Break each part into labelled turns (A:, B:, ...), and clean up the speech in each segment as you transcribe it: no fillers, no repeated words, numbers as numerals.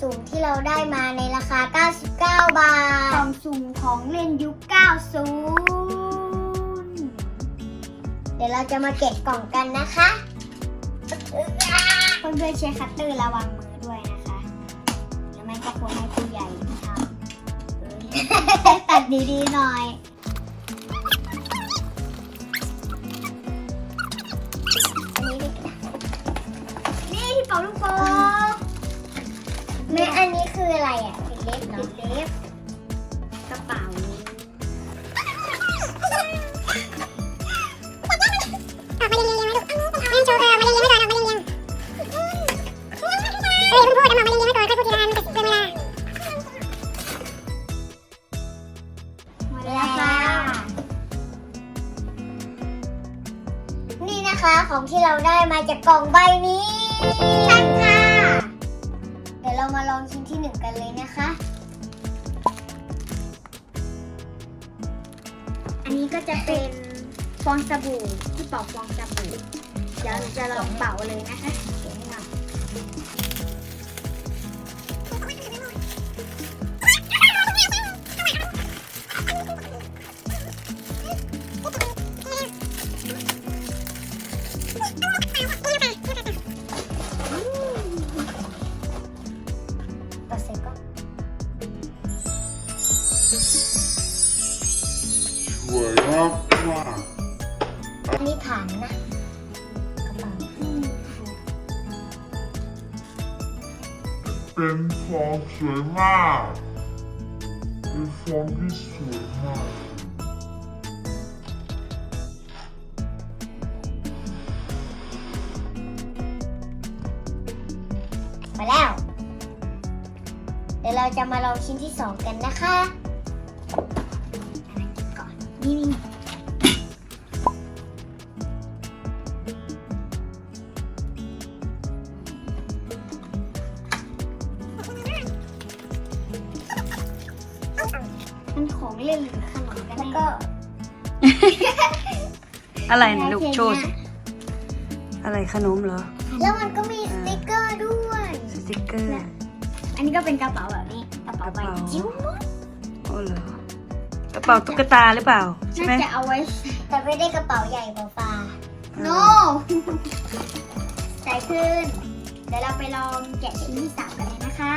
A: สุ่มที่เราได้มาในราคา99 บาทกล่องสุ่มของเล่นยุค 90 เดี๋ยวเราจะมาแกะกล่องกันนะคะเพื่อนๆใช้คัตเตอร์ระวังมือด้วยนะคะแล้วไม่ก็ควรให้ผู้ใหญ่ทำตัดดีๆหน่อยนี่ที่เป่าลูกโป่งแม่อันนี้คืออะไรอ่ะปิดเล็บเนาะปิดเล็บกระเป๋านี่นะคะของที่เราได้มาจากกล่องใบนี้ใช่ค่ะเดี๋ยวเรามาลองชิ้นที่1กันเลยนะคะอันนี้ก็จะเป็นฟองสบู่ที่เป่าฟองสบู่เดี๋ยวจะลองเป่าเลยนะคะเดี๋ยวให้เรา
B: สวยมากมาก
A: อันนี้ฐานนะกระเป๋า
B: เป็นฟองสวยมาก เป็นฟองที่สวยมาก
A: ไปแล้ว เดี๋ยวเราจะมาลองชิ้นที่2กันนะคะก่อนนี่มันของเล่นหรือขนมกันแล้วก็
C: อะไรนะลูกโชว์สิอะไรขนมเหรอ
A: แล้วมันก็มีสติกเกอร์ด้วย
C: สติกเกอร์
A: อันนี้ก็เป็นกระเป๋าแบบนี้กระเป๋าใบจิ๋ว
C: โอ้เหรอกระเป๋าตุ๊กตาหรือเปล่าใช่ไหม
A: น่าจะเอาไว้แต่ไม่ได้กระเป๋าใหญ่กว่าฟ้า no ใส่ขึ้น เดี๋ยวเราไปลองแกะชิ้นที่3กันเลยนะคะ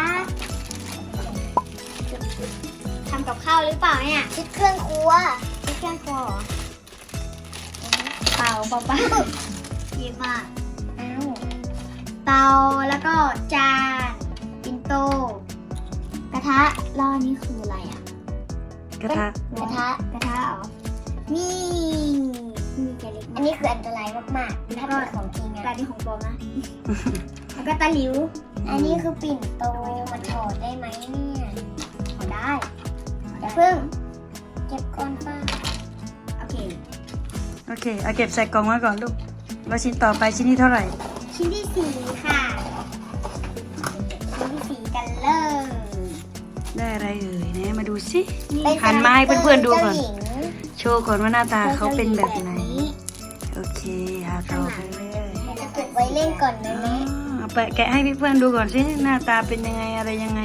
A: ทำกับข้าวหรือเปล่าเนี่ยคิดเครื่องครัวคิดเครื่องครัวเหรอเตาเปล่าๆดีมากอ้าวเตาแล้วก็จานปิ่นโตกระทะแล้วอันนี้คืออะไรอ่ะ
C: กระทะ
A: กระทะเหรอนี่มีแกเล็กอันนี้คืออันตรายมากๆถ้าเป็นของจริงอะแต่นี่ของปลอมนะ แล้วก็ตะหลิว อันนี้คือปิ่นโตมันถอดได้ไหมเนี่ยถอดได้อย่าเพิ่งเก็บก่อนป้าโอเค
C: โอเคเอาเก็บใส่กล่องไว้ก่อนลูกแล้วชิ้นต่อไปชิ้นที่เท่าไหร่
A: ชิ้นที่4ค่ะชิ้นที่4กันเลย
C: ได้อะไรเอ่ยเนี่ยมาดูสิหันมาให้เพื่อนๆดูก่อน
A: เจ้าหญิง
C: โชว์ก่อนว่าหน้าตาเขาเป็นแบบไหนโอเคเอาต่อไปเลย
A: จะเก็บไว้เล่นก่อนนะแม่
C: เอาไปแกะให้เพื่อนๆดูก่อนสิหน้าตาเป็นยังไงอะไรยังไง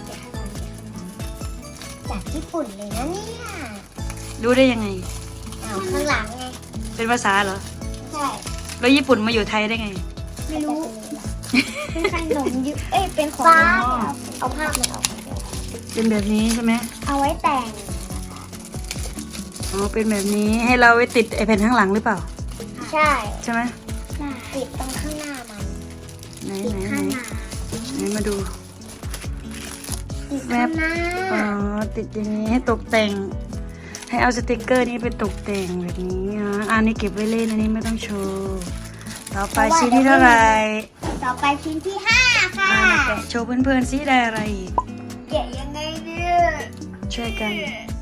A: จากญี่ปุ่นเลยนะเนี่ย
C: ดูได้ยังไง
A: อ้าวข้างหลังไง
C: เป็นภาษาเหรอ
A: ใช่
C: แล้วญี่ปุ่นมาอยู่ไทยได้ไง
A: ไม่รู้ เป็นขนมยุเป็นของฟ้าเอาภาพมันออก
C: เป็นแบบนี้ใช่ไหม
A: เอาไว้แต่ง
C: อ๋อเป็นแบบนี้ให้เราไว้ติดไอแผ่นข้างหลังหรือเปล่า
A: ใช่
C: ใช่ไหม
A: ติดตรงข้างหน้ามัน
C: ไหน
A: ติด
C: ไหนไหน
A: ข้างหน้า
C: ไหนมาดู
A: ติดข้างหน้า
C: อ๋อติดอย่างนี้ให้ตกแต่ง ให้เอาสติกเกอร์นี้ไปตกแต่งแบบนี้นะอันนี้เก็บไว้เล่นอันนี้ไม่ต้องโชว์ต่อไปชิ้นที่เท่าไหร่
A: ต่อไปชิ้นที่5ค่ะ
C: มาแกะโชว์เพื่อนๆซิได้อะไรอีก
A: แกะยังไงเนี่ย
C: ช่วยกัน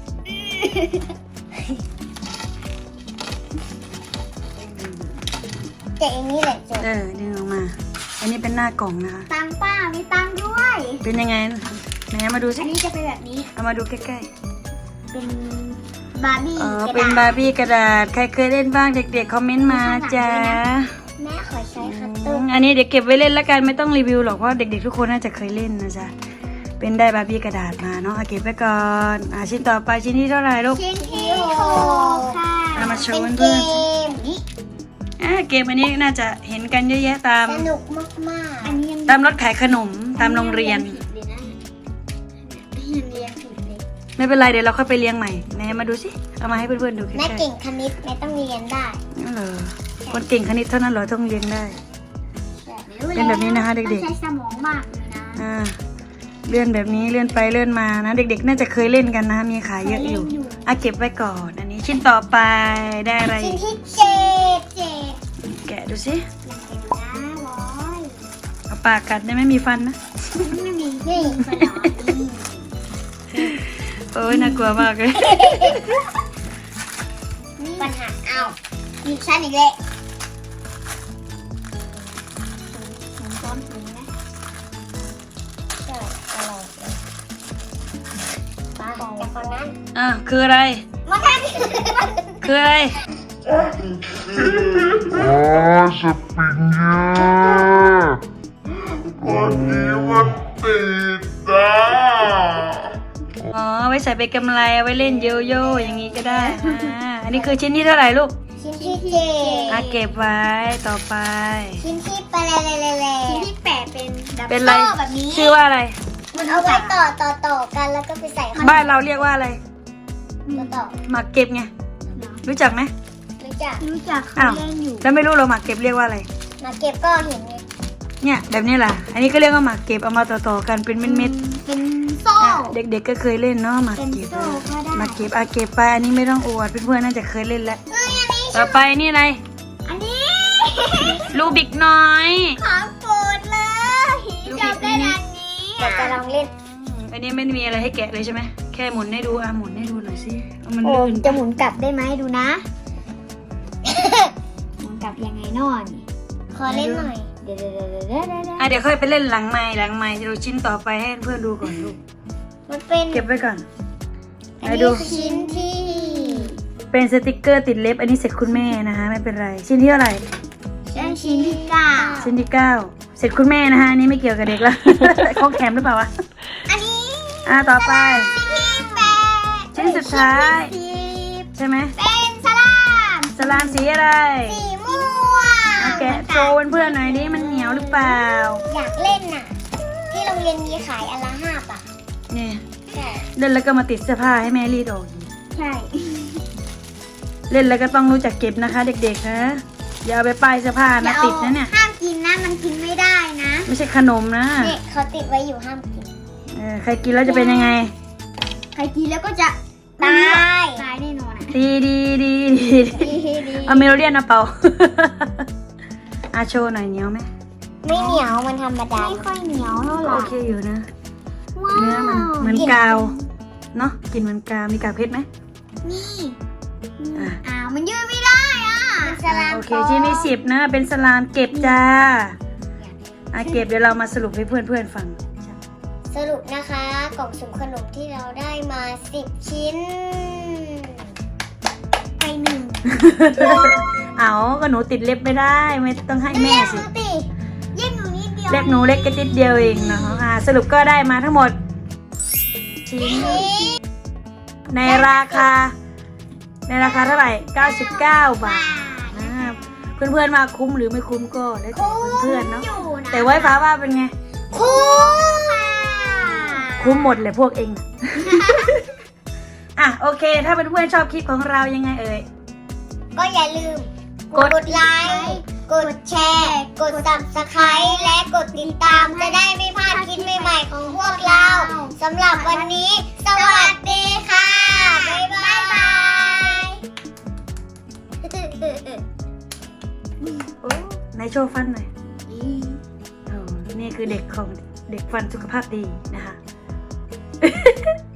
A: แกะอย่างนี้แหละจบ
C: ดึงออกมา อันนี้เป็นหน้ากล่องนะคะ
A: ตังป้ามีตังด้วย
C: เป็นยังไงไหนมาดูสิ
A: อันนี้จะเป็นแบบนี้
C: เอามาดูใกล้
A: เป็นบาร์บี้
C: ๆอ๋อก
A: ระ
C: เป็น
A: ดา
C: บา
A: ษ
C: ร์บี้กระดาษใครเคยเล่นบ้างเด็กๆคอมเมนต์มาจ้า
A: แม่ขอใช้คัตเตอร์
C: อันนี้เดี๋ยวเก็บไว้เล่นแล้วกันไม่ต้องรีวิวหรอกเพราะเด็กๆทุกคนน่าจะเคยเล่นนะจ๊ะเป็นได้บาร์บี้กระดาษมาเนาะเก็บไว้ก่อนชิ้นต่อไปชิ้นที่เท่าไหร่ลูก
A: ชิ้นที่หกค่ะ
C: เอามาโชว์
A: เป็น
C: เพื่
A: เก
C: อน
A: มนี่
C: เกมอันนี้น่าจะเห็นกันเยอะแยะตาม
A: สนุกมากๆอันนี้ยัง
C: ตามรถขายขนมตามโรงเรียน
A: ผิดเลยนะยังเรียนผิดเลย
C: ไม่เป็นไรเดี๋ยวเราค่อยไปเลี้ยงใหม่ไหนมาดูสิเอามาให้เพื่อนๆดูใกล้
A: แม่
C: ๆ
A: เก่งคณิตแม่ต้องเรียนได้
C: นั่นเหรอคนเก่งคณิตเท่านั้นเหรอต้องเลี้ยงได้ เป็นแบบนี้นะคะเด็กๆ
A: ต้องใช้สมองมากเลยนะ
C: เลื่อนแบบนี้เลื่อนไปเลื่อนมานะเด็กๆน่าจะเคยเล่นกันนะมีขายเยอะอยู่เก็บไว้ก่อนอันนี้ชิ้นต่อไปได้อะไร
A: ชิ้นที่เจ็ด
C: แกะดูสิ
A: ยังเป็นนะร้อย
C: เอาปากกัดได้ไม่มีฟันนะ
A: ไม่มีนี่ขนมนี่
C: โอ้ยน่ากลัวมากเลย
A: ปัญหาเอามีชั้นอีกเลยถึงซ้อนถึงนะใช่ตลอดเลยไปจากคนนั้น
C: คืออะไร
A: มากัน
C: คืออะไร
B: อ๋อสปริงเกอร์วันนี้มันติดอ่ะ
C: อ๋อไว้ใส่ไปกำไรเอาไว้เล่นโยโย่อย่างนี้ก็ได้อันนี้คือชิ้นที่เท่าไหร่ลูก
A: ชิ้นที่เจ็ด
C: เก็บไว้ต่อไป
A: ชิ้นที่แปดชิ้นที่แปดเป็นดับ
C: เป็นอะไร
A: โซ่แบบนี้
C: ชื่อว่าอะไร
A: มันเอาไว้ต่อกันแล้วก็ไปใส่ข้าง
C: บ้านเราเรียกว่าอะไร
A: ต่อ
C: หมากเก็บไงรู้จักไหม
A: รู้จัก
C: อ้าวแล้วไม่รู้เราหมากเก็บเรียกว่าอะไร
A: มาเก็บก็เห็นไง
C: เนี่ยแบบนี้แหละอันนี้ก็เรียกว่าหมากเก็บเอามาต่อๆกันเป็นเม็ด
A: เป็นโซ่
C: ๆเด็กๆก็เคยเล่นเนาะหมาก
A: เป็น
C: เก็บ
A: โซ่ก็ได้
C: หมากเก็บเก็บไปอันนี้ไม่ต้องอวดเพื่อนๆน่าจะเคยเล่นแล้ว
A: เอ้ยอันนี้
C: ต่อไปนี่อะไร
A: อันนี้
C: ลูบิกน้อย
A: ของโปรดเลยจำได้อันนี้จะลองเล่น
C: อันนี้ไม่มีอะไรให้แกะเลยใช่ไหมแค่หมุนให้ดูหมุนให้ดูหน่อยสิมัน
A: โอ้
C: ลื่น
A: จะหมุนกลับได้ไหมดูนะ หมุนกลับยังไงนอนขอเล่นหน่อยเดี๋ยว
C: เดี๋ยวค่อยไปเล่นหลังไม้จะดูชิ้นต่อไปให้เพื่อนดูก่อนลูก
A: มันเป็น
C: เก็บไว้ก่อน
A: อัน
C: ไป
A: นี้
C: ดู
A: คือชิ้นที่
C: เป็นสติกเกอร์ติดเล็บอันนี้เสร็จคุณแม่นะคะไม่เป็นไรชิ้นที่เท่าไหร่
A: ชิ้นที่เก้า
C: ชิ้นที่ 9 เสร็จคุณแม่นะคะอันนี้ไม่เกี่ยวกับเด็กแล้ว ของแถมหรือเปล่าวะ
A: อันนี้
C: ต่อไป
A: ที่แปด
C: ชิ้นสุดท้าย ใช่ไหม
A: เป็นสลาม
C: สลามสีอะไร
A: สีม่วง
C: แกะโชว์เพื่อนๆหน่อยดิมันเหนียวหรือเปล่า
A: อยากเล่นน่ะ ที่โรงเรียนมีขายอันละ5 บาท
C: นี่
A: ใช่
C: เล่นแล้วก็มาติดเสื้อผ้าให้แม่รีดออกอีก
A: ใช่
C: เล่นแล้วก็ต้องรู้จักเก็บนะคะ เด็กๆนะอย่าเอาไปป้ายเสื้อผ้านะติดนะเนี่ย
A: ห้ามกินนะมันกินไม่ได้นะ
C: ไม่ใช่ขนมนะ
A: เนี่ยเขาติดไว้อยู่ห้ามกิน
C: ใครกินแล้วจะเป็นยังไง
A: ใครกินแล้วก็จะตายแน่นอนอ่ะ
C: ดี เอาเมโลเดียนนะเปา โชว์หน่อยเหนียวไหม
A: ไม่เหนียวมันธรรมดาไม่ค่อยเหนียวเท่าไหร่
C: โอเคอยู่นะ
A: ว้าว
C: เนื้อมันเหมือนกาวเนาะกินเหมือนกาวมีกาวเพชรไหม
A: นี่
C: อ่ะ
A: อ้าวมันยืดไม่ได้อ่ะมันสลาม
C: โอเคชิ้นที่10นะเป็นสลามเก็บจ้าเก็บเดี๋ยวเรามาสรุปให้เพื่อนๆฟัง
A: สรุปนะคะกล่องสุ่มขนมที่เราได้มา10 ชิ้นไป1
C: เอาก็หนูติดเล็บไม่ได้ไม่ต้องให้แม่สิ
A: เย็นหนูนิดเดียว
C: เล็บหนูเล็กก็ติดเดียวเองเนาะสรุปก็ได้มาทั้งหมดชิ้นในราคาเท่าไหร่99 บาทเพื่อนๆมาคุ้มหรือไม่คุ้มก็แล้วแต่เพื่อนๆเนาะแต่ไว้ฟ้าว่าเป็นไง
A: คุ้มค่ะ
C: คุ้มหมดเลยพวกเองน่ะ โอเคถ้าเพื่อนๆชอบคลิปของเรายังไงเอ่ย
A: ก็อย่าลืม
C: กด
A: ไลค์กดแชร์กด Subscribe และกดติดตามจะได้ไม่พลาดคลิปใหม่ๆของพวกเราสำหรับวันนี้ สวัสดีค่ะ บ๊ายบาย
C: ในโชว์ฟันหน่อยนี่คือเด็กของเด็กฟันสุขภาพดีนะคะ